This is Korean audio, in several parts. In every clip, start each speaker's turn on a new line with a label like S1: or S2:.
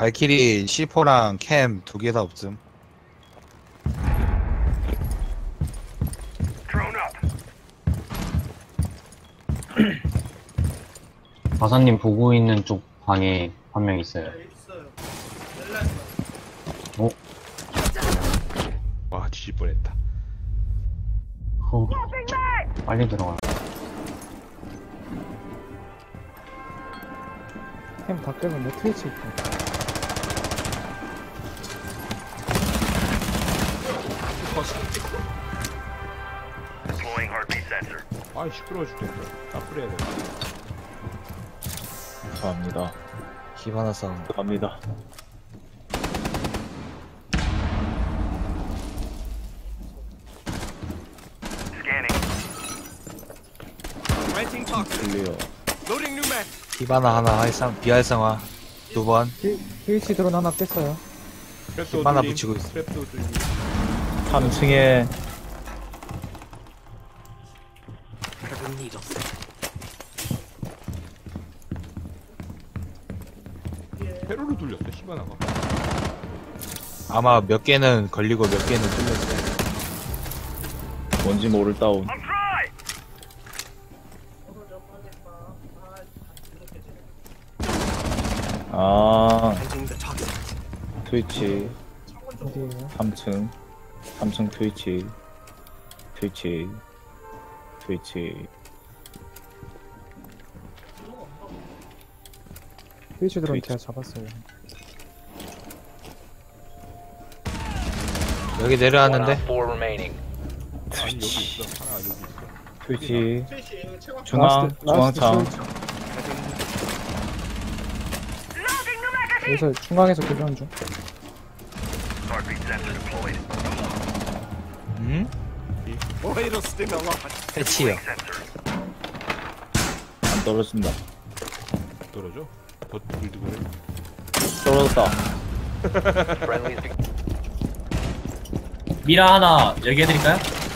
S1: 발키리 C4랑 캠 두 개 다 없음.
S2: 바사님 보고 있는 쪽 방에 한 명 있어요. 어?
S3: 와 뒤질 뻔했다.
S2: 빨리 들어가.
S4: 캠 다 깨면 내 트위치 있고.
S3: 아이 시끄러워 죽겠다. 나 뿌려야 돼.
S5: 감사합니다.
S1: 히바나 사운드.
S5: 갑니다. 클리어.
S1: 히바나 하나 비활성화 두 번.
S4: 트위치 드론 하나 뺐어요.
S3: 트랩도
S1: 하나
S3: 뚫림,
S1: 붙이고 있어.
S3: 트랩도 뚫림.
S5: 3층에
S3: 회로로 돌렸어 시바나가.
S1: 아마 몇 개는 걸리고 몇 개는 뚫렸어요.
S5: 뭔지 모를 다운. 아, 트위치
S4: 어디에요?
S5: 3층 트위치
S4: 트위치 드론
S5: 트위치.
S4: 제가 잡았어요.
S1: 여기 내려왔는데
S3: 아니 여기 있어. 하나 여기 있어.
S5: 트위치
S4: 라스트
S5: 중앙창
S4: 트위치. 여기서 중앙에서 교전 중.
S1: 음? 해치요.
S5: 안 떨어진다.
S3: 떨어져? 더 들고 그래.
S5: 떨어졌다.
S6: 미라 하나 얘기해드릴까요?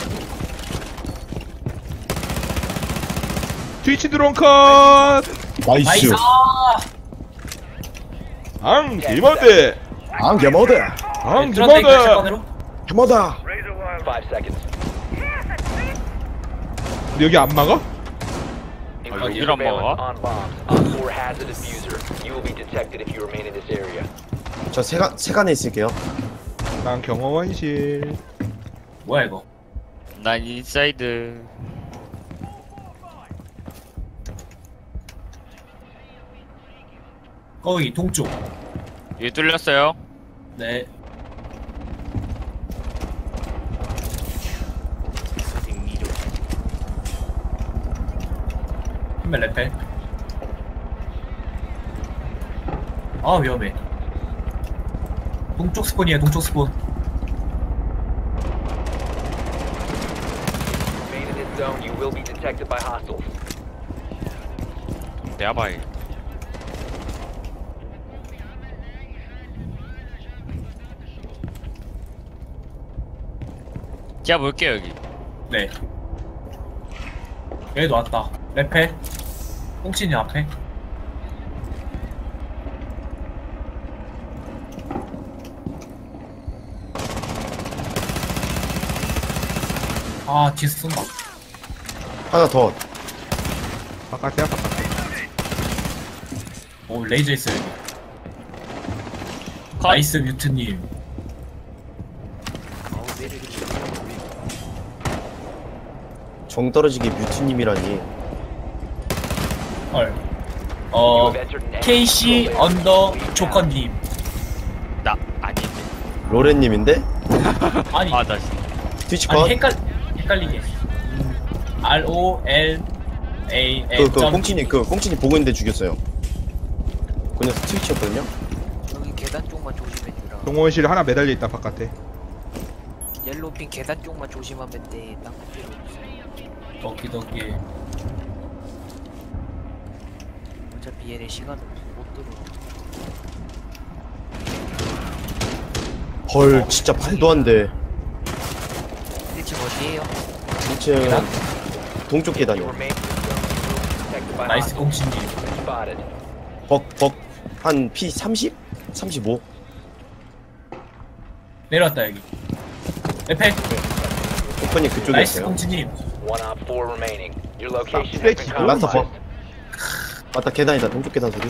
S3: 트위치 드론 컷!
S6: 나이스!
S3: 앙 기모드!
S5: 안 개모드.
S3: 앙
S6: 트런데
S3: 기모드!
S6: 샷건으로?
S5: 개모다.
S3: 근데 여기 안 막아?
S6: 여기를 안 막아?
S7: 저 세간에 있을게요.
S3: 난 경호원실.
S6: 뭐야 이거?
S8: 난 인사이드.
S6: 거기 동쪽.
S8: 여기 뚫렸어요.
S6: 네. 한명 레펠. 아 위험해. 동쪽 스폰이에요. 동쪽 스폰.
S8: 내가 봐야. 제가 볼게요 여기.
S6: 네. 여기도 왔다. 레펠. 꽁치님 앞에. 아 뒤에서 쏜다.
S7: 하나 더.
S3: 바깥이야 바깥.
S6: 오 레이저 있어요 여기.
S8: 컷.
S6: 나이스 뮤트님.
S7: 정 떨어지게 뮤트님이라니.
S6: 헐. KC 언더 조커님.
S8: 나 아니.
S7: 로렌님인데?
S6: 아니
S8: 아나
S7: 트위치
S6: 아니
S7: 컷?
S6: 헷갈리게. ROLAL.
S7: 꽁치님 보고 있는데 죽였어요. 그냥 트위치였거든요?
S9: 여기 계단 쪽만 조심해주라.
S3: 경호원실 하나 매달려 있다 바깥에.
S9: 옐로핀 계단 쪽만 조심하면 돼. 딴거 필요 없어.
S6: 덕기.
S9: 어차피 얘네 시간 없어. 못 들어.
S7: 헐, 진짜 말도 안 돼.
S9: 1층 어디에요?
S7: 2층 동쪽 계단이요.
S6: 나이스 꽁치님.
S7: 벅 한 P 30? 35?
S6: 내려왔다 여기. 에페.
S7: 오퍼님
S6: 나이스
S7: 그쪽이었어요.
S6: 공주님.
S5: 플레이키
S7: 라스터 버. 맞다 계단이다. 동쪽 계단 소리.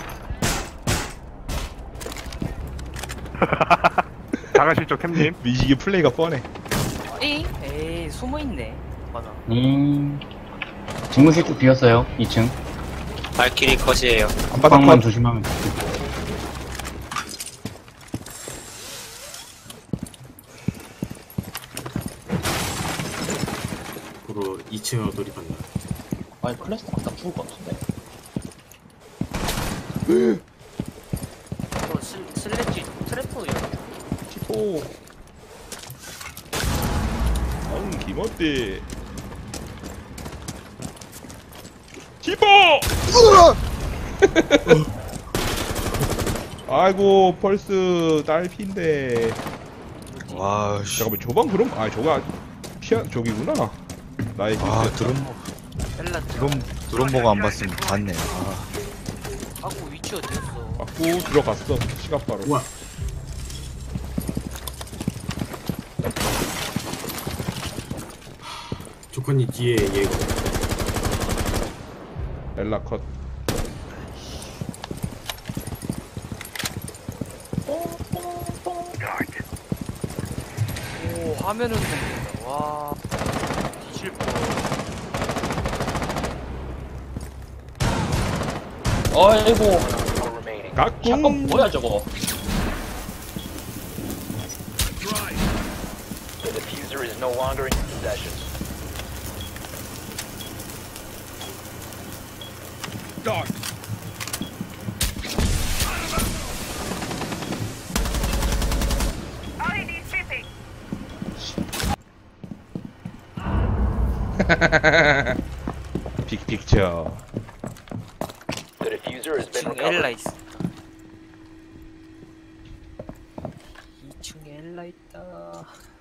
S3: 다가실죠 캠님.
S5: 미식이 플레이가 뻔해.
S9: 에이 숨어있네. 맞아.
S2: 집무실 쪽 비었어요. 2층.
S8: 발키리 컷이에요.
S5: 안바닥
S2: 방만
S5: 컷.
S2: 조심하면 돼.
S10: 앞으로 2층으로 돌입한다.
S2: 아니 클래스 아까 죽을 것 같은데.
S9: 또 슬래지 트래퍼 열.
S5: 티포. 김어때. 티포! 아이고 펄스 딸피인데.
S1: 와, 씨.
S5: 잠깐만 저방 그럼 저가 피아 저기구나. 나의
S1: 아,
S5: 기대했다.
S9: 엘라
S1: 드론 보고 안 봤으면 봤네. 아,
S9: 하고 위치 어디였어?
S5: 맞고 들어갔어. 시간바로.
S10: 우와. 조커님 뒤에 얘가.
S5: 엘라 컷.
S9: 오 화면은 흔들린다. 와 뒤질 뻔.
S2: 아이고.
S5: 가꿍.
S2: 뭐야 저거?
S5: 빅픽처.
S9: 2층 엘라 있어. 2층에 엘라 있다.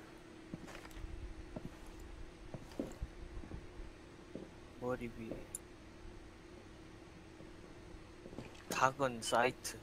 S9: 머리 위에 작은 사이트.